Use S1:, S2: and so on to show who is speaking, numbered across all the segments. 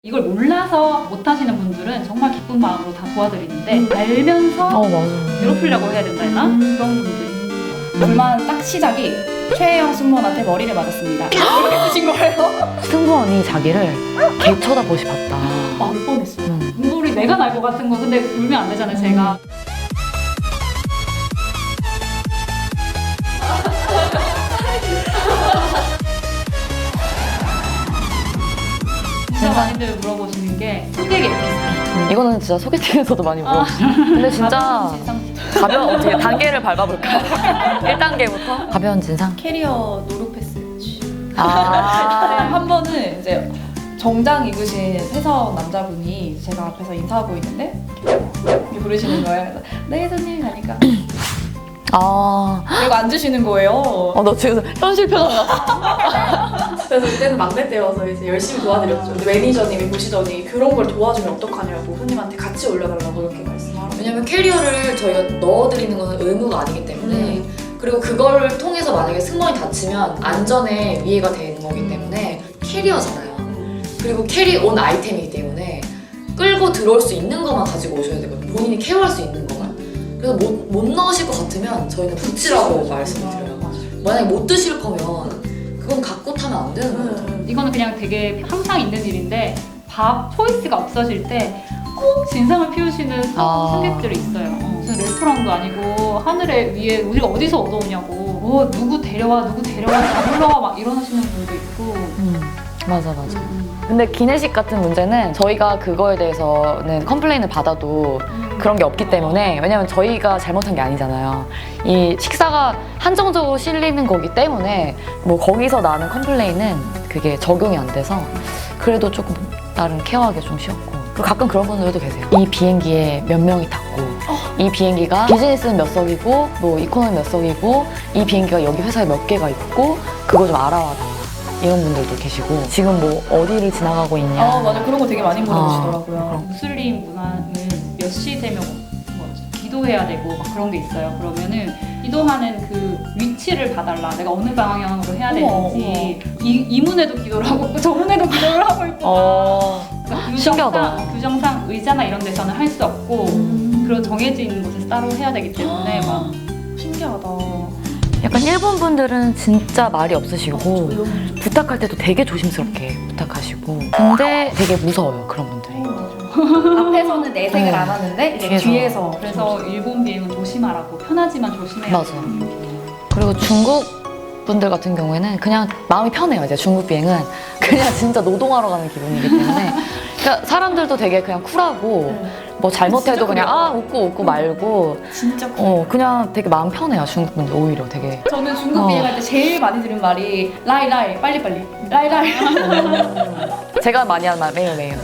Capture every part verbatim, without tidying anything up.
S1: 이걸 몰라서 못하시는 분들은 정말 기쁜 마음으로 다 도와드리는데 음. 알면서
S2: 어, 맞아.
S1: 괴롭히려고 해야 된다 했나?
S2: 음.
S1: 그런 분들이
S3: 얼마 딱 시작이 최혜영 승무원한테 머리를 맞았습니다. 그렇게 쓰신 거예요?
S2: 승무원이 자기를 개 쳐다보시 봤다.
S3: 울 뻔했어.
S2: 음.
S1: 눈물이 내가 날 것 같은 거 근데 울면 안 되잖아요 제가. 진짜 많이들 물어보시는 게 소개팅 에피소드.
S2: 음, 이거는 진짜 소개팅에서도 많이 물어보시죠. 근데 진짜
S1: 가벼운 진상.
S2: 가벼운 어떻게 단계를 밟아볼까요? 일 단계부터 가벼운 진상.
S3: 캐리어 노루 패스.
S2: 아,
S3: 한 번은 이제 정장 입으신 회사원 남자분이 제가 앞에서 인사하고 있는데 이렇게 부르시는 거예요. 그래서 네 선생님 하니까
S2: 아,
S3: 그리고 앉으시는 거예요.
S2: 어, 너 지금 현실 표정 나.
S4: 그래서 그때는 막내 때여서 이제 열심히 도와드렸죠. 근데 매니저님이 보시더니 그런 걸 도와주면 어떡하냐고 손님한테 같이 올려달라고 이렇게 말씀하라고.
S5: 왜냐면 캐리어를 저희가 넣어드리는 것은 의무가 아니기 때문에
S4: 음.
S5: 그리고 그거를 통해서 만약에 승무원이 다치면 안전에 위해가 되는 거기 때문에 캐리어잖아요. 그리고 캐리 온 아이템이기 때문에 끌고 들어올 수 있는 것만 가지고 오셔야 되거든요. 본인이 케어할 수 있는 것만. 그래서 못, 못 넣으실 것 같으면 저희는 붙이라고 말씀을 드려요. 만약에 못 드실 거면 그건 갖고 타면 안 되는 거예요.
S1: 이거는 그냥 되게 항상 있는 일인데 밥 초이스가 없어질 때 꼭 진상을 피우시는
S2: 아.
S1: 승객들이 있어요. 어, 무슨 레스토랑도 아니고 하늘에 위에 우리가 어디서 얻어오냐고 뭐 누구 데려와 누구 데려와 다 불러와 막 이러시는 분도 있고.
S2: 음, 맞아, 맞아.
S1: 음,
S2: 근데 기내식 같은 문제는 저희가 그거에 대해서는 컴플레인을 받아도
S1: 음.
S2: 그런 게 없기 때문에, 왜냐면 저희가 잘못한 게 아니잖아요. 이 식사가 한정적으로 실리는 거기 때문에 뭐 거기서 나는 컴플레인은 그게 적용이 안 돼서 그래도 조금 나름 케어하기 좀 쉬웠고. 그리고 가끔 그런 분들도 계세요. 이 비행기에 몇 명이 탔고 이 비행기가 비즈니스는 몇 석이고 뭐 이코노미 몇 석이고 이 비행기가 여기 회사에 몇 개가 있고 그거 좀 알아와 달라, 이런 분들도 계시고, 지금 뭐 어디를 지나가고 있냐.
S3: 아 맞아, 그런 거 되게 많이 물어보시더라고요.
S2: 아,
S1: 무슬림 문화는 몇 시 되면 뭐 기도해야 되고 막 그런 게 있어요. 그러면은 기도하는 그 위치를 봐달라. 내가 어느 방향으로 해야
S3: 어머,
S1: 되는지. 이, 이 문에도 기도를 하고 있고 저 문에도 기도를 하고 있고.
S2: 어...
S1: 그러니까
S2: 신기하다.
S1: 규정상, 규정상 의자나 이런 데서는 할 수 없고
S3: 음.
S1: 그런 정해진 곳에서 따로 해야 되기 때문에 막
S3: 신기하다.
S2: 약간 일본 분들은 진짜 말이 없으시고
S3: 조용.
S2: 부탁할 때도 되게 조심스럽게 부탁하시고, 근데 되게 무서워요, 그런 분들이.
S3: 앞에서는 내색을
S2: 네.
S3: 안 하는데 이제
S2: 뒤에서.
S3: 뒤에서
S1: 그래서 일본 비행은 조심하라고, 편하지만 조심해야
S2: 맞아. 그리고 중국 분들 같은 경우에는 그냥 마음이 편해요. 이제 중국 비행은 그냥 진짜 노동하러 가는 기분이기 때문에, 그러니까 사람들도 되게 그냥 쿨하고 뭐 잘못해도
S3: 진짜
S2: 그냥
S3: 그래요.
S2: 아 웃고 웃고 말고,
S3: 진짜 커.
S2: 어 그냥 되게 마음 편해요, 중국 분들 오히려 되게.
S3: 저는 중국
S2: 어.
S3: 비행할 때 제일 많이 들은 말이 라이 라이 빨리 빨리 라이 라이.
S2: 제가 많이 하는 말 매일 매일.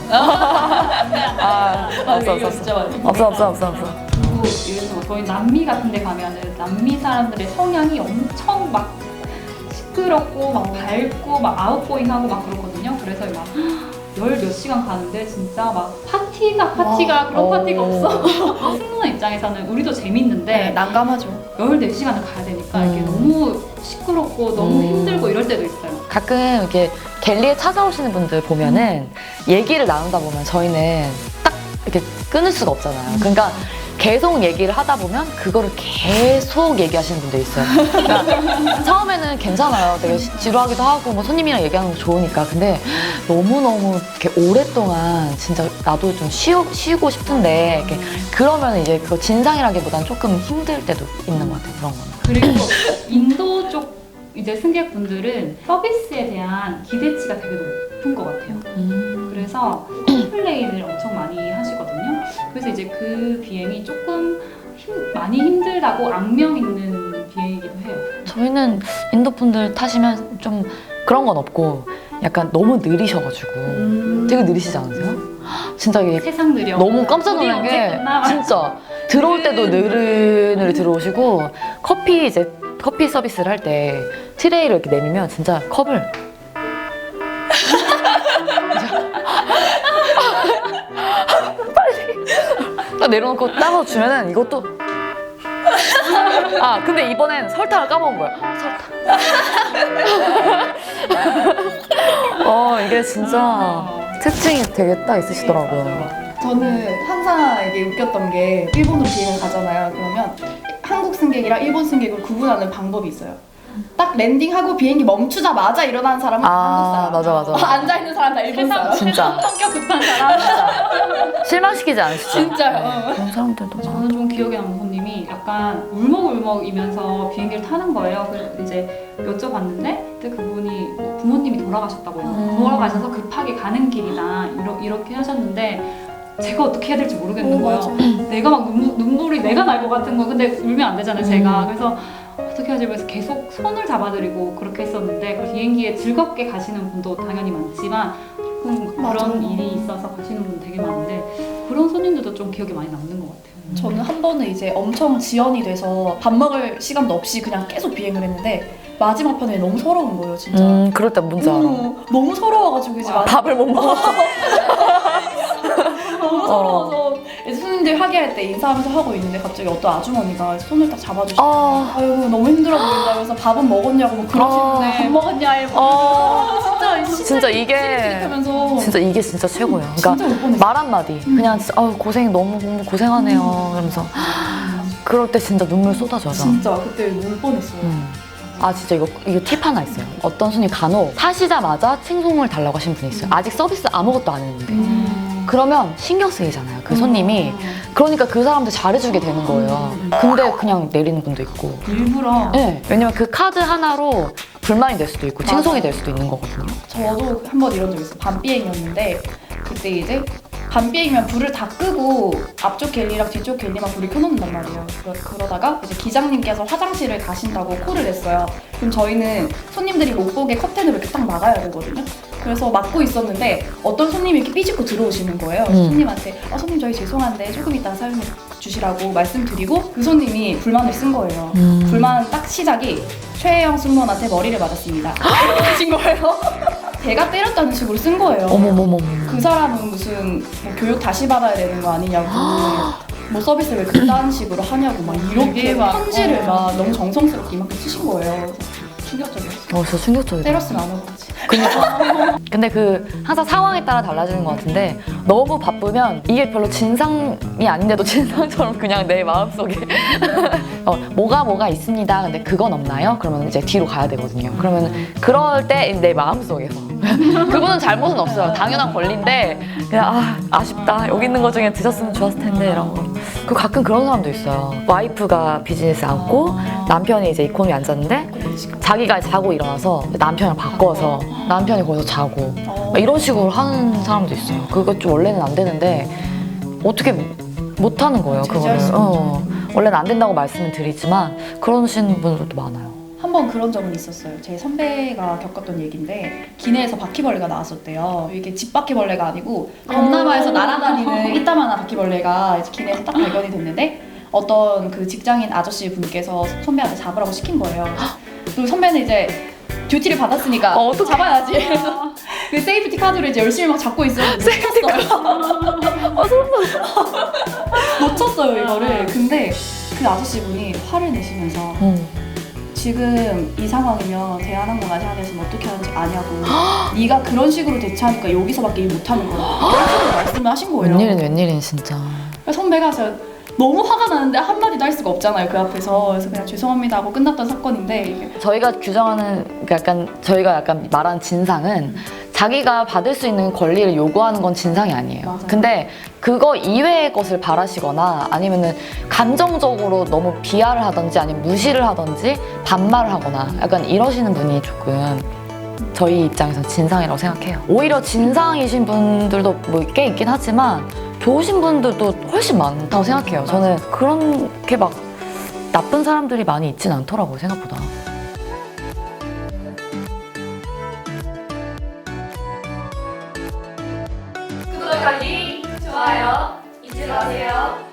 S2: 아 없어 없어
S3: 진짜 많이.
S2: 없어 없어 없어 없어.
S1: 그리고 예를 들어 저희 남미 같은 데 가면은 남미 사람들의 성향이 엄청 막 시끄럽고 막 밝고 막 아웃고잉하고 막 그렇거든요. 그래서 막 열 몇 시간 가는데 진짜 막 파티가 파티가
S3: 와.
S1: 그런 파티가
S2: 오.
S1: 없어. 승무원 입장에서는 우리도 재밌는데
S3: 네, 난감하죠.
S1: 열네 시간을 가야 되니까 이게
S2: 음.
S1: 너무 시끄럽고 너무
S2: 음.
S1: 힘들고 이럴 때도 있어요.
S2: 가끔 이렇게 갤리에 찾아오시는 분들 보면은 얘기를 나누다 보면 저희는 딱 이렇게 끊을 수가 없잖아요. 그러니까 계속 얘기를 하다 보면 그거를 계속 얘기하시는 분들 있어요. 그러니까 처음에는 괜찮아요. 되게 시- 지루하기도 하고 뭐 손님이랑 얘기하는 거 좋으니까. 근데 너무너무 이렇게 오랫동안 진짜 나도 좀 쉬어, 쉬고 싶은데 이렇게 그러면 이제 그거 진상이라기보단 조금 힘들 때도 있는 것 같아요. 그런 거는.
S1: 그리고 인도 쪽 이제 승객분들은 서비스에 대한 기대치가 되게 높은 것 같아요. 그래서 컴플레인을 엄청 많이 하시거든요. 그래서 이제 그 비행이 조금 힘, 많이 힘들다고 악명 있는 비행이기도 해요.
S2: 저희는 인도 분들 타시면 좀 그런 건 없고 약간 너무 느리셔가지고 되게 느리시지 않으세요? 진짜 이게
S1: 세상 느려.
S2: 너무 깜짝
S1: 우리
S2: 놀란
S1: 언제
S2: 게
S1: 끝나? 막
S2: 진짜 들어올 때도 느르느리 들어오시고, 커피 이제 커피 서비스를 할 때 트레이를 이렇게 내밀면 진짜 컵을 빨리 딱 내려놓고 따서 주면은 이것도 아 근데 이번엔 설탕을 까먹은 거야. 설탕. 어 이게 진짜
S1: 아.
S2: 특징이 되게 딱 있으시더라고요.
S3: 저는 항상 이게 웃겼던 게 일본으로 비행을 가잖아요. 그러면 한국 승객이랑 일본 승객을 구분하는 방법이 있어요. 딱 랜딩하고 비행기 멈추자마자 일어나는 사람은 다 한국
S2: 아,
S3: 사람.
S2: 맞아, 맞아.
S3: 어, 앉아있는 사람 다 일본 사람.
S2: 진짜.
S1: 성격 급한 사람.
S2: 실망시키지 않으시죠?
S3: 진짜요.
S2: 그런 사람들도 많아.
S1: 저는 좀 기억에 남는 손님이 약간 울먹울먹이면서 비행기를 타는 거예요. 그래서 이제 여쭤봤는데 그때 그분이 뭐 부모님이 돌아가셨다고 해요.
S2: 음.
S1: 돌아가셔서 급하게 가는 길이다 이러, 이렇게 하셨는데 제가 어떻게 해야 될지 모르겠는
S3: 오,
S1: 거예요.
S3: 맞아.
S1: 내가 막 눈물, 눈물이 내가 날 것 같은 거 근데 울면 안 되잖아요 제가. 그래서 어떻게 하지? 그래서 계속 손을 잡아드리고 그렇게 했었는데 그 비행기에 즐겁게 가시는 분도 당연히 많지만 조금 그런
S3: 맞아.
S1: 일이 있어서 가시는 분 되게 많은데 그런 손님들도 좀 기억에 많이 남는 것 같아요.
S3: 저는 한 번은 이제 엄청 지연이 돼서 밥 먹을 시간도 없이 그냥 계속 비행을 했는데 마지막 편에 너무 서러운 거예요, 진짜.
S2: 음, 그럴 때 뭔지 알아.
S3: 음, 너무 서러워가지고 이제 마-
S2: 밥을 못 먹어.
S3: 너무 서러워서 이제 손님들 하계할 때 인사하면서 하고 있는데 갑자기 어떤 아주머니가 손을 딱 잡아주시고
S2: 아,
S3: 아유 너무 힘들어 보인다 그래서 밥은 먹었냐고 뭐 그러시는데
S2: 아.
S3: 밥 먹었냐 이러고
S2: 아,
S3: 진짜
S2: 진짜 이게
S3: 하면서
S2: 진짜 이게 진짜 최고예요. 그러니까
S3: 진짜 못 보냈어.
S2: 말 한마디 그냥 진짜 아유 고생 너무 너무 고생하네요 이러면서 그럴 때 진짜 눈물 쏟아져요.
S3: 진짜 그때 울 뻔했어요.
S2: 음. 아 진짜 이거 이거 팁 하나 있어요. 어떤 손님 간혹 타시자마자 칭송을 달라고 하신 분이 있어요. 아직 서비스 아무것도 안 했는데
S3: 음.
S2: 그러면 신경 쓰이잖아요. 그 손님이 그러니까 그 사람들 잘해주게 되는 거예요. 근데 그냥 내리는 분도 있고.
S3: 일부러
S2: 네, 왜냐면 그 카드 하나로 불만이 될 수도 있고 칭송이 될 수도 있는 거거든요.
S3: 저도 한 번 이런 적 있어요. 밤 비행이었는데 그때 이제 밤 비행이면 불을 다 끄고 앞쪽 갤리랑 뒤쪽 갤리만 불을 켜놓는단 말이에요. 그러, 그러다가 이제 기장님께서 화장실을 가신다고 콜을 했어요. 그럼 저희는 손님들이 못 보게 커튼을 이렇게 딱 막아야 되거든요. 그래서 막고 있었는데 어떤 손님이 이렇게 삐집고 들어오시는 거예요. 그래서
S2: 음.
S3: 손님한테 어, 손님 저희 죄송한데 조금 이따 사용해 주시라고 말씀드리고 그 손님이 불만을 쓴 거예요.
S2: 음.
S3: 불만 딱 시작이 최혜영 승무원한테 머리를 맞았습니다. 이렇게 하신 거예요. 제가 때렸다는 식으로 쓴 거예요.
S2: 어머머머.
S3: 그 사람은 무슨 뭐 교육 다시 받아야 되는 거 아니냐고 뭐 서비스를 왜 그딴 식으로 하냐고 막 이렇게
S1: 되게 막,
S3: 편지를
S1: 어.
S3: 막 너무 정성스럽게 이만큼 쓰신 거예요. 그래서 충격적이었어요.
S2: 어, 진짜 충격적이다.
S3: 때렸으면 안 하고 그지.
S2: 그니까. 근데 그 항상 상황에 따라 달라지는 것 같은데 너무 바쁘면 이게 별로 진상이 아닌데도 진상처럼 그냥 내 마음속에 어, 뭐가 뭐가 있습니다. 근데 그건 없나요? 그러면 이제 뒤로 가야 되거든요. 그러면 그럴 때 내 마음속에서 그분은 잘못은 없어요. 당연한 권리인데 그냥 아, 아쉽다. 여기 있는 것 중에 드셨으면 좋았을 텐데 이런 거. 그 가끔 그런 사람도 있어요. 와이프가 비즈니스 앉고 남편이 이제 이코노미 앉았는데 자기가 자고 일어나서 남편이랑 바꿔서 남편이 거기서 자고 막 이런 식으로 하는 사람도 있어요. 그거 좀 원래는 안 되는데 어떻게 못 하는 거예요. 그거를. 어, 원래는 안 된다고 말씀을 드리지만 그러시는 분들도 많아요.
S3: 한 번 그런 적은 있었어요. 제 선배가 겪었던 얘기인데 기내에서 바퀴벌레가 나왔었대요. 이게 집 바퀴벌레가 아니고 동남아에서 날아다니는 이따만한 바퀴벌레가 이제 기내에서 딱 발견이 됐는데 어떤 그 직장인 아저씨 분께서 선배한테 잡으라고 시킨 거예요. 그리고 선배는 이제 듀티를 받았으니까
S2: 어, 어떡해.
S3: 잡아야지. 그래서 그 세이프티 카드를 이제 열심히 막 잡고 있었는데 세이프티 카드. 놓쳤어요 이거를. 근데 그 아저씨 분이 화를 내시면서
S2: 음.
S3: 지금 이 상황이면 대한항공 아시아나에서는 어떻게 하는지 아냐고 네가 그런 식으로 대처하니까 여기서밖에 일 못하는 거야 그런 식으로 말씀을 하신 거예요.
S2: 웬일인 웬일인 진짜.
S3: 그래서 선배가 저 너무 화가 나는데 한마디도 할 수가 없잖아요 그 앞에서. 그래서 그냥 죄송합니다 하고 끝났던 사건인데 이게
S2: 저희가 규정하는 그 약간 저희가 약간 말하는 진상은 자기가 받을 수 있는 권리를 요구하는 건 진상이 아니에요.
S3: 맞아요.
S2: 근데 그거 이외의 것을 바라시거나 아니면은 감정적으로 너무 비하를 하든지 아니면 무시를 하든지 반말을 하거나 약간 이러시는 분이 조금 저희 입장에서 진상이라고 생각해요. 오히려 진상이신 분들도 뭐 꽤 있긴 하지만 좋으신 분들도 훨씬 많다고 생각해요. 저는 그렇게 막 나쁜 사람들이 많이 있진 않더라고요, 생각보다.
S5: 구독하기, 좋아요 잊지 마세요.